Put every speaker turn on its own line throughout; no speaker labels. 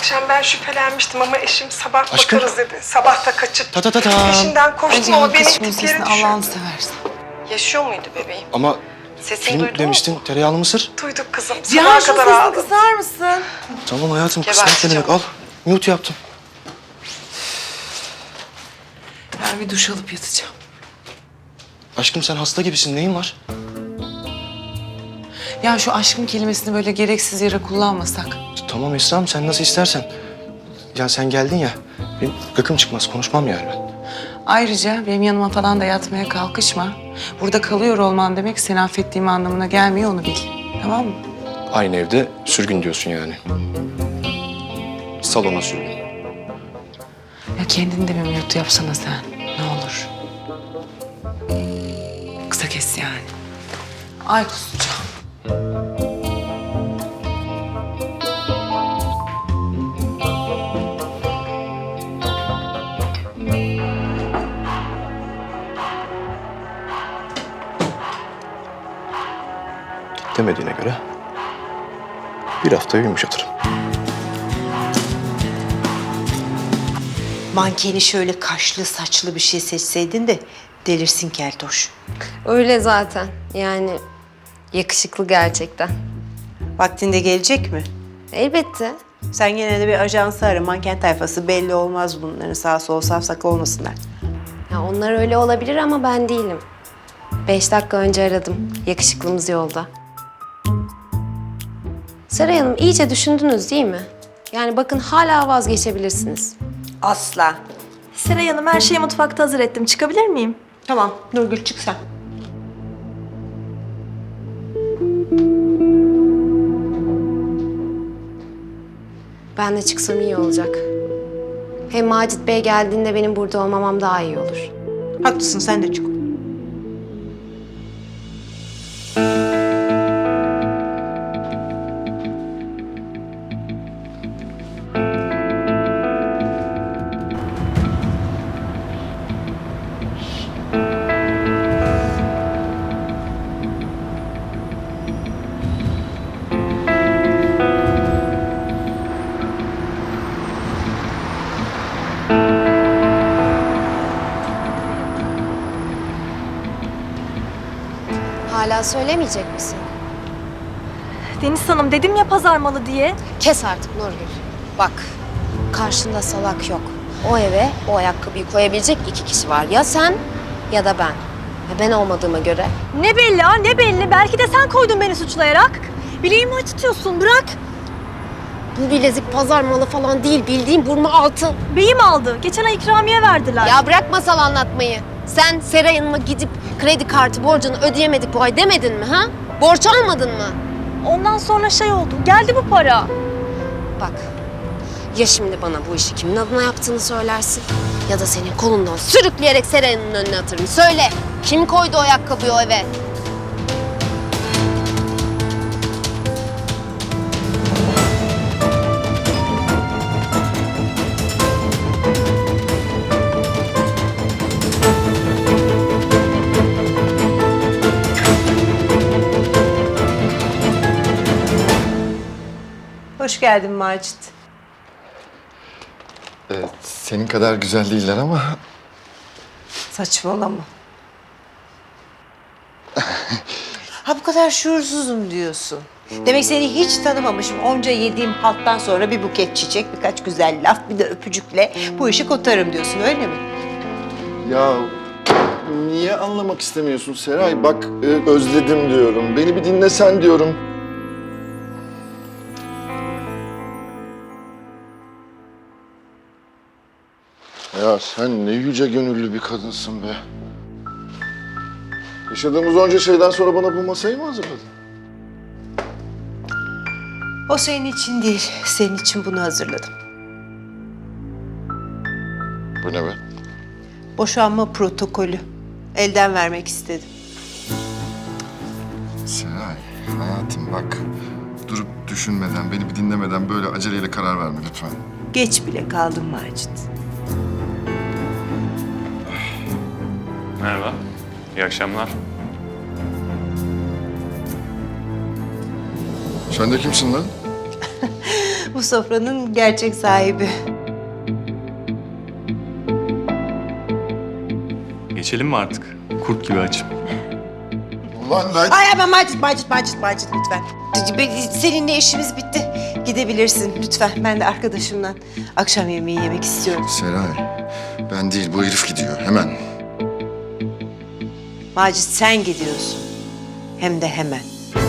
akşam ben şüphelenmiştim ama eşim sabah
Aşkım.
bakarız dedi. Sabah da kaçıp
Ta ta ta ta.
peşinden koştum ama beni
kaçmasın
iplikleri
Allah'ını
düşürdü.
seversen.
Yaşıyor muydu bebeğim?
Ama
Sesini
film
duydun
demiştin,
mu?
tereyağlı mısır.
Duyduk kızım.
Cihan
Sabaha
şu
kadar
sesini
ağladım.
kısar mısın?
Tamam hayatım,
Geberteceğim.
kısmet ne demek? Al, mute yaptım.
Ben bir duş alıp yatacağım.
Aşkım sen hasta gibisin, neyin var?
Ya şu aşkım kelimesini böyle gereksiz yere kullanmasak.
Tamam Esra'm, sen nasıl istersen. Ya sen geldin ya, benim gıkım çıkmaz, konuşmam yani ben.
Ayrıca benim yanıma falan da yatmaya kalkışma. Burada kalıyor olman demek seni affettiğim anlamına gelmiyor, onu bil. Tamam mı?
Aynı evde sürgün diyorsun yani. Salona sürgün.
Ya kendini de bir mute yapsana sen. Ne olur. Kısa kes yani. Ay kusacağım.
Demediğine göre bir haftaya yumuşatırım.
Mankeni şöyle kaşlı saçlı bir şey seçseydin de delirsin keltoş.
Öyle zaten. Yani yakışıklı gerçekten.
Vaktinde gelecek mi?
Elbette.
Sen gene de bir ajansı ara. Manken tayfası belli olmaz bunların. Sağ sol safsak olmasınlar.
Ya onlar öyle olabilir ama ben değilim. 5 dakika önce aradım. Yakışıklımız yolda. Seray Hanım iyice düşündünüz değil mi? Yani bakın hala vazgeçebilirsiniz.
Asla.
Seray Hanım her şeyi mutfakta hazır ettim. Çıkabilir miyim?
Tamam Nurgül çık sen.
Ben de çıksam iyi olacak. Hem Macit Bey geldiğinde benim burada olmamam daha iyi olur.
Haklısın sen de çık.
Hala söylemeyecek misin?
Deniz Hanım dedim ya pazar malı diye.
Kes artık Nurgül. Bak, karşında salak yok. O eve o ayakkabıyı koyabilecek 2 kişi var. Ya sen ya da ben. Ve ben olmadığıma göre.
Ne belli ha ne belli. Belki de sen koydun beni suçlayarak. Bileğimi acıtıyorsun bırak.
Bu bilezik pazar malı falan değil. Bildiğin burma altın.
Beyim aldı. Geçen ay ikramiye verdiler.
Ya bırak masal anlatmayı. Sen Seray Hanım'a gidip kredi kartı borcunu ödeyemedik bu ay demedin mi ha? Borç almadın mı?
Ondan sonra şey oldu. Geldi bu para.
Bak, ya şimdi bana bu işi kimin adına yaptığını söylersin ya da senin kolundan sürükleyerek Seray Hanım'ın önüne atarım. Söyle, kim koydu o ayakkabıyı o eve?
Hoş geldin Macit.
Senin kadar güzel değiller ama
Saçmalama. Ha bu kadar şuursuzum diyorsun. Demek seni hiç tanımamışım. Onca yediğim halttan sonra bir buket çiçek, birkaç güzel laf, bir de öpücükle bu işi kotarım diyorsun öyle mi?
ya niye anlamak istemiyorsun Seray? Bak özledim diyorum. Beni bir dinlesen diyorum. Ya sen ne yüce gönüllü bir kadınsın be. Yaşadığımız onca şeyden sonra bana bu masayı mı hazırladın?
O senin için değil, senin için bunu hazırladım.
Bu ne be?
Boşanma protokolü. Elden vermek istedim.
Seray, hayatım bak. Durup düşünmeden, beni bir dinlemeden böyle aceleyle karar verme lütfen.
Geç bile kaldım Macit.
Merhaba, iyi akşamlar.
Sen de kimsin lan?
bu sofranın gerçek sahibi.
Geçelim mi artık? Kurt gibi açım.
Ulan lan.
Ay ama Macit lütfen. Seninle işimiz bitti. Gidebilirsin lütfen. Ben de arkadaşımla akşam yemeği yemek istiyorum.
Seray, ben değil bu herif gidiyor hemen.
Macit sen gidiyorsun. Hem de hemen.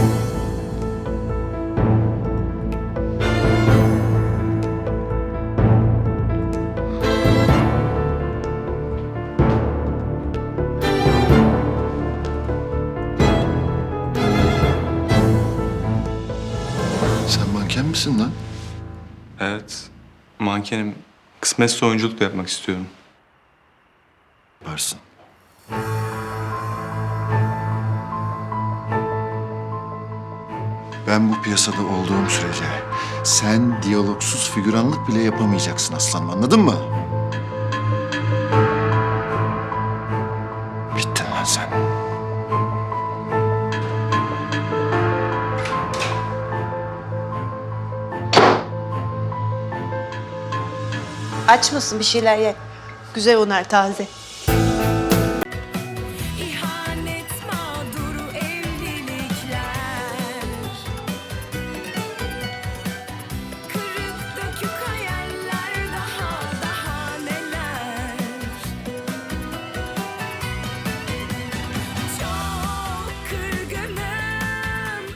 Sen manken misin lan?
Evet. Mankenim. Kısmetse oyunculuk da yapmak istiyorum.
Yaparsın. Ben bu piyasada olduğum sürece sen diyalogsuz figüranlık bile yapamayacaksın aslanım, anladın mı? Bittin lan sen.
Aç mısın? Bir şeyler ye. Güzel onlar taze.